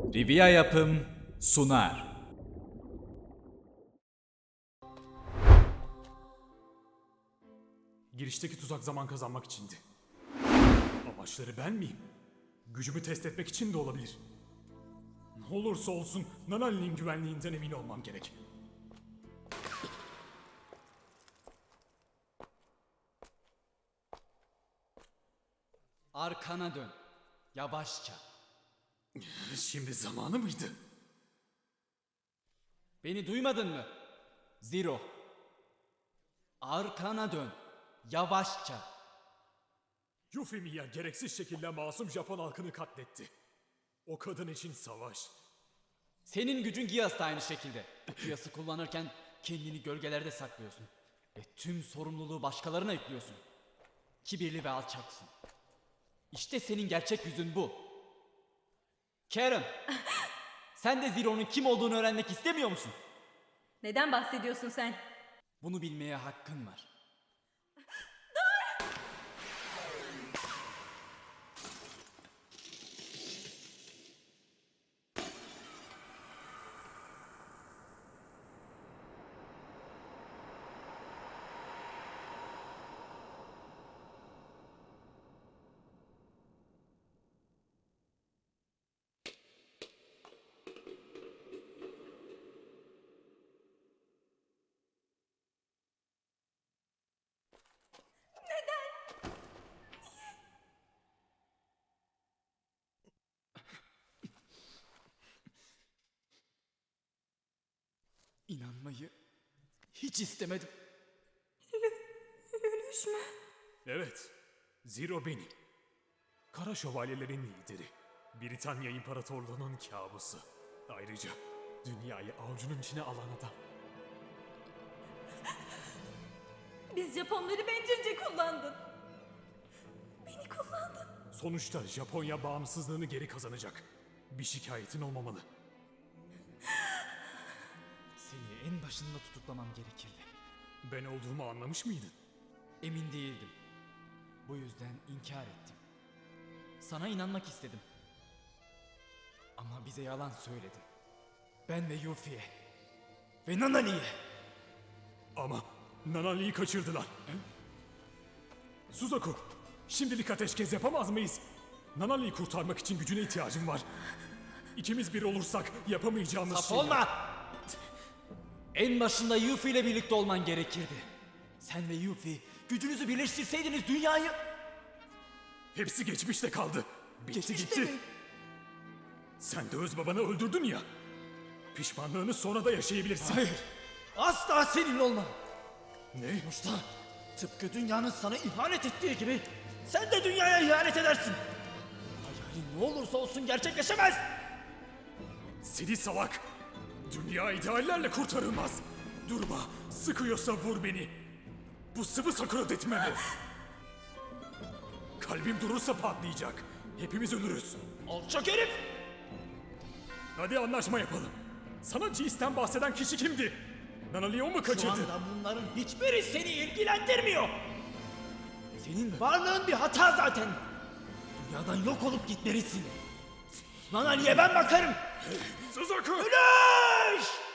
Rivia Yapım sunar. Girişteki tuzak zaman kazanmak içindi. Amaçları ben miyim? Gücümü test etmek için de olabilir. Ne olursa olsun Nanali'nin güvenliğinden emin olmam gerek. Arkana dön. Yavaşça. Şimdi zamanı mıydı? Beni duymadın mı? Zero. Arkana dön. Yavaşça. Yufimiya gereksiz şekilde masum Japon halkını katletti. O kadın için savaş. Senin gücün Giyas da aynı şekilde. Giyas'ı kullanırken kendini gölgelerde saklıyorsun. Ve tüm sorumluluğu başkalarına yüklüyorsun. Kibirli ve alçaksın. İşte senin gerçek yüzün bu. Karen, sen de Zero'nun kim olduğunu öğrenmek istemiyor musun? Neden bahsediyorsun sen? Bunu bilmeye hakkın var. İnanmayı hiç istemedim. Yürüyüş mü? Evet, Zero benim. Kara şövalyelerin lideri. Britanya İmparatorluğu'nun kabusu. Ayrıca dünyayı avucunun içine alan adam. Biz Japonları bencilce kullandın. Beni kullandın. Sonuçta Japonya bağımsızlığını geri kazanacak. Bir şikayetin olmamalı. Seni en başında tutuklamam gerekirdi. Ben olduğumu anlamış mıydın? Emin değildim. Bu yüzden inkar ettim. Sana inanmak istedim. Ama bize yalan söyledin. Ben ve Yuffie'ye. Ve Nanali'ye. Ama Nanali'yi kaçırdılar. Suzaku, şimdilik ateşkes yapamaz mıyız? Nanali'yi kurtarmak için gücüne ihtiyacım var. İkimiz bir olursak yapamayacağımız Saf şey... olma! En başında Yuffie ile birlikte olman gerekirdi. Sen ve Yuffie gücünüzü birleştirseydiniz dünyayı... Hepsi geçmişte kaldı. Bitti Geçmişte gitti. mi? Sen de öz babanı öldürdün ya. Pişmanlığını sonra da yaşayabilirsin. Hayır! Asla seninle olmam! Ne? Sonuçta tıpkı dünyanın sana ihanet ettiği gibi sen de dünyaya ihanet edersin. Hayalin ne olursa olsun gerçekleşemez. Seni salak. Dünya ideallerle kurtarılmaz. Durma. Sıkıyorsa vur beni. Bu sıvı sakura detmemi. Kalbim durursa patlayacak. Hepimiz ölürüz. Alçak herif! Hadi anlaşma yapalım. Sana Jeez'den bahseden kişi kimdi? Nanali'yi o mu Şu kaçırdı? anda bunların hiçbiri seni ilgilendirmiyor. Senin varlığın bir hata zaten. Dünyadan yok olup gitmelisin. Nanali'ye ben bakarım. Suzaku! Güneş!